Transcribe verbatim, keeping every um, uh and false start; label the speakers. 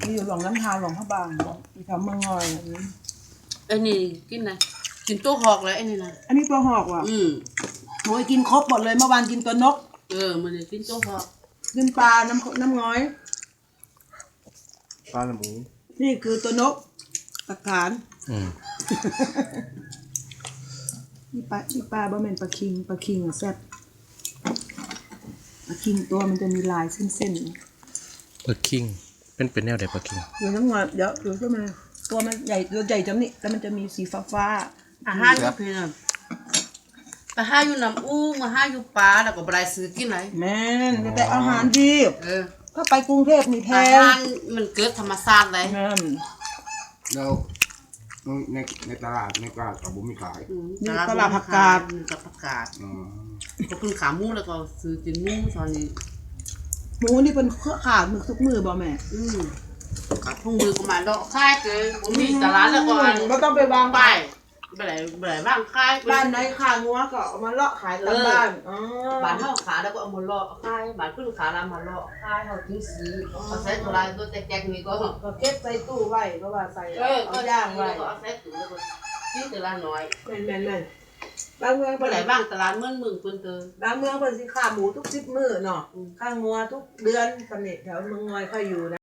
Speaker 1: ที่อยู่หลวงน้ำทานหลวงพระบางที่ทำเมืองงอยอันนี้
Speaker 2: ไอ้นี่กินไหนกินตัวหอกแล้วไอ้นี่นะ
Speaker 1: อันนี้ตัวหอกว่ะ
Speaker 2: อืม
Speaker 1: โอ้ยกินครบหมดเลยเมื่อวานกินตัวนก
Speaker 2: เออมันกินตัวหอก
Speaker 1: กินปลาน้ำน้ำง้อย
Speaker 3: ปลาหมู
Speaker 1: นี่คือตัวนกตะขาน
Speaker 3: อืม
Speaker 1: นี่ปลานี่ปลาบะเม็นปลาคิงปลาคิงอ่ะแซ่บปลาคิงตัวมันจะมีลายเส้นๆ
Speaker 3: ปลาคิงเป็นเป็นแนวใดปลาคิง
Speaker 1: เดี๋ยวน้ำงอยเดี๋ยวเดี๋ยวขึ้นมาตัวมันใหญ่ตัวใหญ่จังนี่แล้วมันจะมีสีฟ้าฟ้า
Speaker 2: อาหารอยู่เพียงอาหารอยู่น้ำอู้มาหาอยู่ปลาแล้วก็บ่ได้ซื้อกินไหน
Speaker 1: แม่นแต่อาหารดี
Speaker 2: เออ
Speaker 1: ถ้าไปกรุงเทพนี่แพ
Speaker 2: อาง หารมันเกิดธรรมชาติเลย
Speaker 1: แม่น
Speaker 4: แล้วในในตลาดในตลาดกับบุ้มีขาย
Speaker 1: นี่ตลาดผักกาด
Speaker 2: ตลาดผักกาด
Speaker 4: อืม
Speaker 2: ก็เพิ่งขาหมูแล้วก็ซื้อกินหมูตอนนี้
Speaker 1: หมูนี่เป็นเครือข่ายมือทุกมือบ่แม่
Speaker 2: อืมกับพวกมือก็มาดอกค่ายเกินผมมีตลาดแล้วก็อัน
Speaker 1: ไม่ต้องไปวาง
Speaker 2: ไปไปไหนไปไหนบ้างค่าย
Speaker 1: บ้านไหนขางัวก็เอามาเลาะขายตามบ้านอ๋อ
Speaker 2: บ้านเฮาขาแล้วก็เอามาเลาะค่ายบ้านขึ้นขาแล้วมาเลาะค่ายเฮาถึงซื้อเอาใส่ตัวลายตัวแจ๊กๆนี่ก็
Speaker 1: ก็เก็บใส่ตู้ไว้เพราะว่าใส่
Speaker 2: เออก็
Speaker 1: เอา
Speaker 2: ย่า
Speaker 1: ย่าง ง
Speaker 2: ไว้
Speaker 1: ไว้
Speaker 2: ก็เอาใส่ถุงแล้วก็ซื้อแต่ละน้อย
Speaker 1: แม่นแม่นแม่นบางเมือง
Speaker 2: ไปไหนบ้างตลาดเมืองเมืองเพิ่นเตอบ
Speaker 1: างเมืองเพิ่นสิขาหมูทุกสิบมื้อเนาะข้างงัวทุกเดือนสนิทแถวเมืองงอยค่อยอยู่นะ